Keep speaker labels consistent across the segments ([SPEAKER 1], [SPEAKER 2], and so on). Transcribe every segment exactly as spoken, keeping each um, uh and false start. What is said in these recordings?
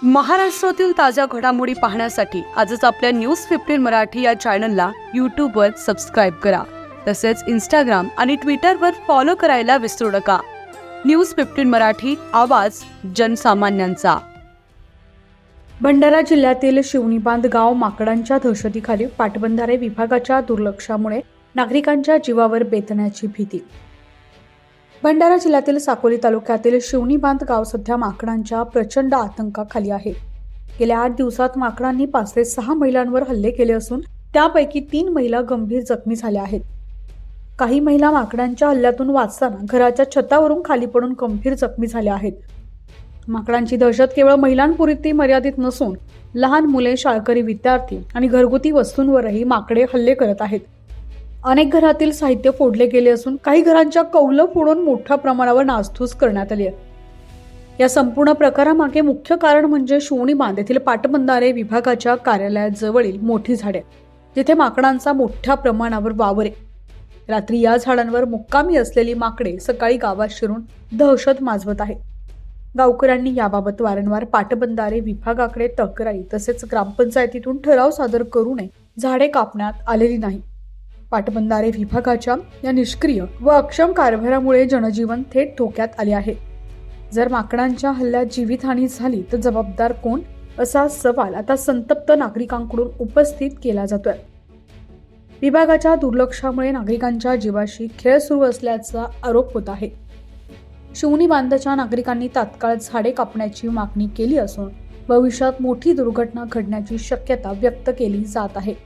[SPEAKER 1] महाराष्ट्रातील ताज्या घडामोडी पाहण्यासाठी आजच आपल्या न्यूज फिफ्टीन मराठी या चॅनलला यूट्यूबवर सबस्क्राईब करा. तसेच इंस्टाग्राम आणि ट्विटरवर फॉलो करायला विसरू नका. न्यूज फिफ्टीन मराठी, आवाज जनसामान्यांचा. भंडारा जिल्ह्यातील शिवणीबांध गाव माकडांच्या दहशतीखाली पाटबंधारे विभागाच्या दुर्लक्षामुळे नागरिकांच्या जीवावर बेतण्याची भीती. भंडारा जिल्ह्यातील साकोली तालुक्यातील शिवणीबांध गाव सध्या माकडांच्या प्रचंड आतंकाखाली आहे. गेल्या आठ दिवसात माकडांनी पाच ते सहा महिलांवर हल्ले केले असून त्यापैकी तीन महिला गंभीर जखमी झाल्या आहेत. काही महिला माकडांच्या हल्ल्यातून वाचताना घराच्या छतावरून खाली पडून गंभीर जखमी झाल्या आहेत. माकडांची दहशत केवळ महिलांपुरती मर्यादित नसून लहान मुले, शाळकरी विद्यार्थी आणि घरगुती वस्तूंवरही माकडे हल्ले करत आहेत. अनेक घरातील साहित्य फोडले गेले असून काही घरांच्या कौलं फोडून मोठ्या प्रमाणावर नासधूस करण्यात आली आहे. या संपूर्ण प्रकारामागे मुख्य कारण म्हणजे शिवणीबांध येथील पाटबंधारे विभागाच्या कार्यालयाजवळील मोठी झाडे, जिथे माकडांचा मोठ्या प्रमाणावर वावर आहे. रात्री या झाडांवर मुक्कामी असलेली माकडे सकाळी गावात शिरून दहशत माजवत आहे. गावकऱ्यांनी याबाबत वारंवार पाटबंधारे विभागाकडे तक्रारी तसेच ग्रामपंचायतीतून ठराव सादर करूनही झाडे कापण्यात आलेली नाही. पाटबंधारे विभागाच्या या निष्क्रिय व अक्षम कारभारामुळे जनजीवन थेट धोक्यात आले आहे. जर माकडांच्या हल्ल्यात जीवितहानी झाली तर जबाबदार कोण, असा सवाल आता संतप्त नागरिकांकडून उपस्थित केला जातोय. विभागाच्या दुर्लक्षामुळे नागरिकांच्या जीवाशी खेळ सुरू असल्याचा आरोप होत आहे. शिवणीबांधच्या नागरिकांनी तात्काळ झाडे कापण्याची मागणी केली असून भविष्यात मोठी दुर्घटना घडण्याची शक्यता व्यक्त केली जात आहे.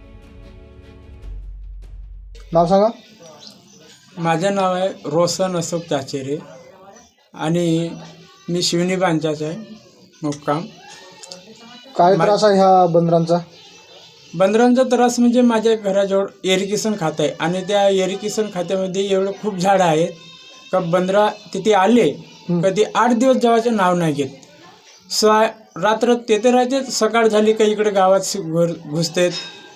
[SPEAKER 2] नाव सांगा.
[SPEAKER 3] माझं नाव आहे रोशन अशोक चाचेरे आणि मी शिवणीबांधचाच आहे मुक्काम.
[SPEAKER 2] काय त्रास आहे ह्या बंदरांचा?
[SPEAKER 3] बंदरांचा त्रास म्हणजे माझ्या घराजवळ इरिगेशन खातं आहे आणि त्या इरिगेशन खात्यामध्ये एवढं खूप झाडं आहेत का बंदरा तिथे आले कधी आठ दिवस जेवायचं नाव नाही घेत. स रात्र तेथे राहते, सकाळ झाली का इकडे गावात घर घुसतेत.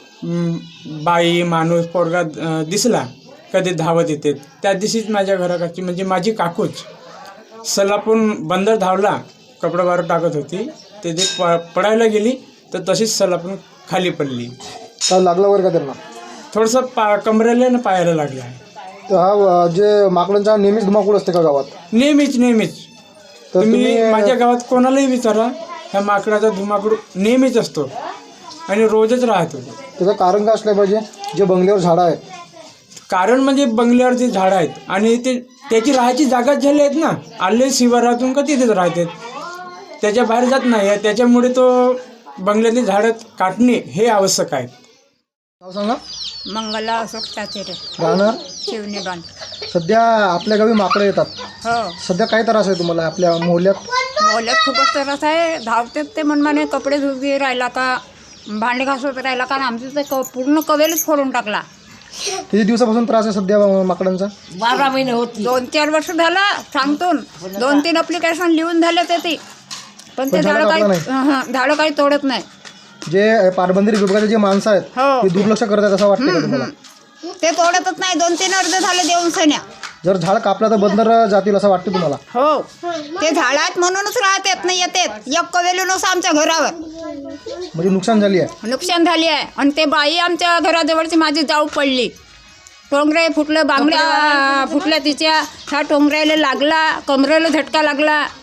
[SPEAKER 3] बाई माणूस पोरगा दिसला कधी धावत येते. त्या दिवशीच माझ्या घराकडची म्हणजे माझी काकूच सलापून बंदर धावला, कपडा बाहेर टाकत होती, ते जे प पडायला गेली तर तशीच सलापून खाली पडली.
[SPEAKER 2] काय लागलं वगैरे का त्यांना?
[SPEAKER 3] थोडंसं पा कमरेला ना पायाला लागलं आहे.
[SPEAKER 2] तर हा जे माकडांचा नेहमीच धुमाकूळ असते का गावात?
[SPEAKER 3] नेहमीच नेहमीच
[SPEAKER 2] तर
[SPEAKER 3] तुम्ही माझ्या गावात कोणालाही विचारा, ह्या माकडाचा धुमाकूळ नेहमीच असतो आणि रोजच राहतो.
[SPEAKER 2] त्याचं कारण काय असलं पाहिजे? जे बंगल्यावर झाडं आहेत,
[SPEAKER 3] कारण म्हणजे बंगल्यावर जे झाडं आहेत आणि ते त्याची राहायची जागाच झाली आहेत ना, आले शिवारातून का तिथेच राहतात, त्याच्या बाहेर जात नाही. त्याच्यामुळे तो बंगल्यातली झाडं काटणे हे आवश्यक आहे.
[SPEAKER 2] नाव सांगा.
[SPEAKER 4] मंगला अशोक चाचेरे,
[SPEAKER 2] राहणार
[SPEAKER 4] शिवणीबांध.
[SPEAKER 2] सध्या आपल्या गावी माकडं येतात.
[SPEAKER 4] हो,
[SPEAKER 2] सध्या काय त्रास आहे तुम्हाला आपल्या मोहल्ल्यात?
[SPEAKER 4] मोहल्ल्यात खूपच त्रास आहे. धावतात ते मनमाने, कपडे धुवी राहिला का, भांडे घासत राहिला का, आमचं ते क पूर्ण कवेलच फोडून टाकला.
[SPEAKER 2] किती दिवसापासून त्रास आहे सध्या माकडांचा?
[SPEAKER 4] बारा महिने होती. दोन चार वर्ष झाला सांगतून दोन तीन अप्लिकेशन लिहून झाले ते ती पण ते झाडं काही हं, झाडं काही तोडत नाही.
[SPEAKER 2] जे पाटबंधारे विभागाचे जे माणसं आहेत
[SPEAKER 4] हो.
[SPEAKER 2] ते दुर्लक्ष करत आहेत असं वाटतं का तुम्हाला?
[SPEAKER 4] ते तोडतच नाही. दोन तीन अर्ज झाले देऊन सण्या.
[SPEAKER 2] जर झाड कापलं तर बंदर जातील असं वाटतं तुम्हाला?
[SPEAKER 4] हो, ते झाडात म्हणूनच राहतात नाही येतात. एक कवेलूनच आमच्या घरावर
[SPEAKER 2] म्हणजे नुकसान झाली आहे.
[SPEAKER 4] नुकसान झाली आहे. आणि ते बाई आमच्या घराजवळची माझी जाऊ पडली, टोंगरे फुटलं, बांगड्या फुटल्या तिच्या, ह्या टोंगऱ्याला लागला, कमरेला झटका लागला.